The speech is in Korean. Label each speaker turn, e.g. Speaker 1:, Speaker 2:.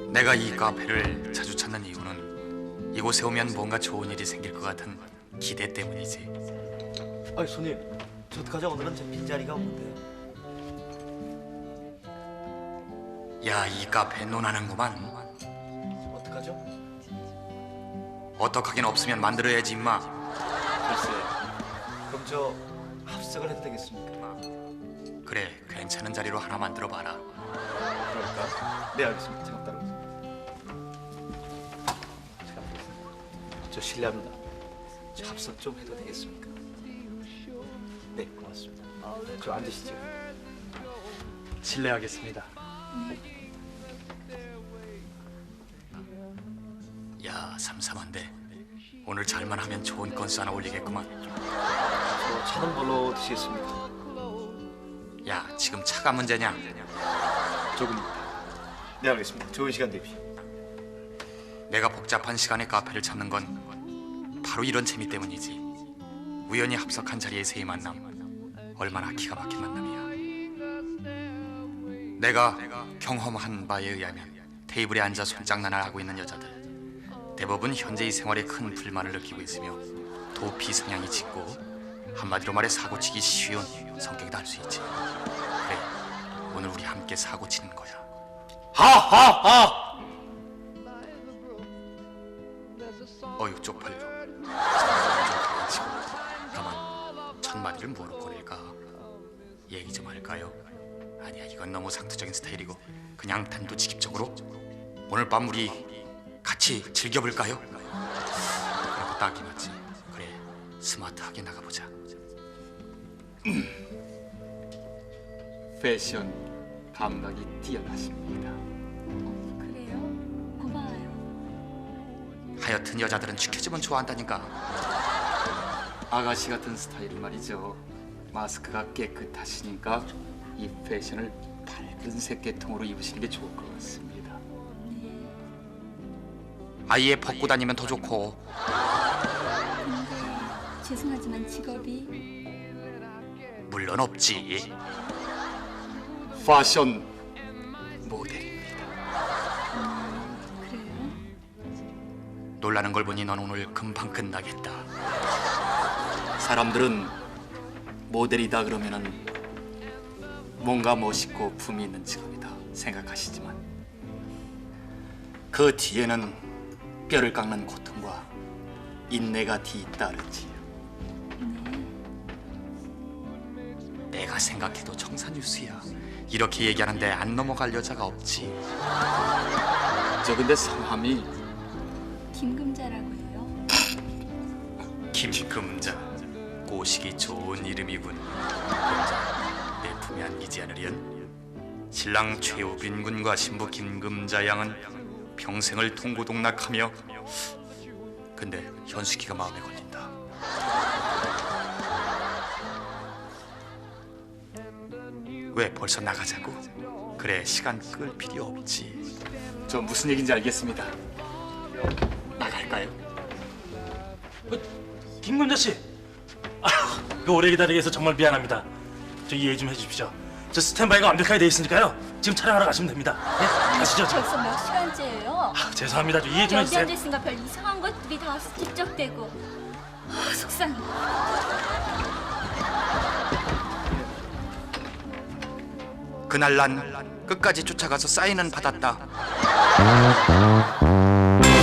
Speaker 1: 내가 이 카페를 자주 찾는 이유는 이곳에 오면 뭔가 좋은 일이 생길 것 같은 기대 때문이지.
Speaker 2: 아니 손님, 저 어떡하죠? 오늘은 제 빈자리가 없는데요.
Speaker 1: 야, 이 카페 논하는구만.
Speaker 2: 어떡하죠?
Speaker 1: 어떡하긴 없으면 만들어야지 임마.
Speaker 2: 글쎄, 그럼 저 합석을 해도 되겠습니까?
Speaker 1: 그래, 괜찮은 자리로 하나 만들어봐라.
Speaker 2: 그럴까? 네, 알겠습니다. 잠깐 따라오세요. 저 실례합니다. 저 합석 좀 해도 되겠습니까? 네, 고맙습니다. 저 앉으시죠.
Speaker 3: 실례하겠습니다.
Speaker 1: 야, 삼삼한데 오늘 잘만 하면 좋은 건수 하나 올리겠구만.
Speaker 2: 저 차는 뭘로 드시겠습니까?
Speaker 1: 야, 지금 차가 문제냐?
Speaker 2: 조금입니다. 네, 알겠습니다. 좋은 시간 되십시오.
Speaker 1: 내가 복잡한 시간에 카페를 찾는 건 바로 이런 재미 때문이지. 우연히 합석한 자리에서의 만남, 얼마나 기가 막힌 만남이야. 내가 경험한 바에 의하면 테이블에 앉아 손장난을 하고 있는 여자들 대부분 현재의 생활에 큰 불만을 느끼고 있으며 도피 성향이 짙고 한마디로 말해 사고치기 쉬운 성격이다 할 수 있지. 그래, 오늘 우리 함께 사고치는 거야. 하하하! 어휴, 쪽팔려. 가만, 첫 마디를 뭐로 꺼낼까? 얘기 좀 할까요? 아니야, 이건 너무 상투적인 스타일이고 그냥 단도직입적으로 오늘 밤 우리 같이 즐겨볼까요? 그래도 딱이 맞지. 그래, 스마트하게 나가보자.
Speaker 4: 패션 감각이 뛰어나십니다.
Speaker 5: 그래요? 고마워요.
Speaker 1: 하여튼 여자들은 지켜주면 좋아한다니까.
Speaker 4: 아가씨 같은 스타일 말이죠. 마스크가 깨끗하시니까 이 패션을 밝은 색계통으로 입으시는 게 좋을 것 같습니다.
Speaker 1: 아예 벗고 다니면 더 좋고.
Speaker 5: 근데 죄송하지만 직업이
Speaker 1: 물론 없지.
Speaker 4: 패션 모델입니다.
Speaker 5: 그래요?
Speaker 1: 놀라는 걸 보니 넌 오늘 금방 끝나겠다.
Speaker 4: 사람들은 모델이다 그러면은 뭔가 멋있고 품이 있는 직업이다 생각하시지만 그 뒤에는 뼈를 깎는 고통과 인내가 뒤따르지요.
Speaker 1: 내가 생각해도 청산유수야. 이렇게 얘기하는데 안 넘어갈 여자가 없지.
Speaker 4: 저 근데 성함이
Speaker 5: 김금자라고 해요.
Speaker 1: 김금자, 꼬시기 좋은 이름이군. 금자, 내 품에 안기지 않으련? 신랑 최우빈 군과 신부 김금자 양은 평생을 동고동락하며, 근데 현숙이가 마음에 걸린다. 왜 벌써 나가자고? 그래, 시간 끌 필요 없지.
Speaker 4: 저 무슨 얘기인지 알겠습니다. 나갈까요?
Speaker 3: 김금자 씨, 그 오래 기다리게 해서 정말 미안합니다. 저 이해 좀 해주십시오. 저 스탠바이가 완벽하게 돼 있으니까요. 지금 촬영하러 가시면 됩니다. 네, 가시죠.
Speaker 5: 벌써 몇 시간째예요?
Speaker 3: 죄송합니다. 좀 이해 좀
Speaker 5: 여기
Speaker 3: 해주세요.
Speaker 5: 앉아있으니까 별 이상한 것들이 다 와서 집적대고 속상해.
Speaker 1: 그날 난 끝까지 쫓아가서 사인은 받았다.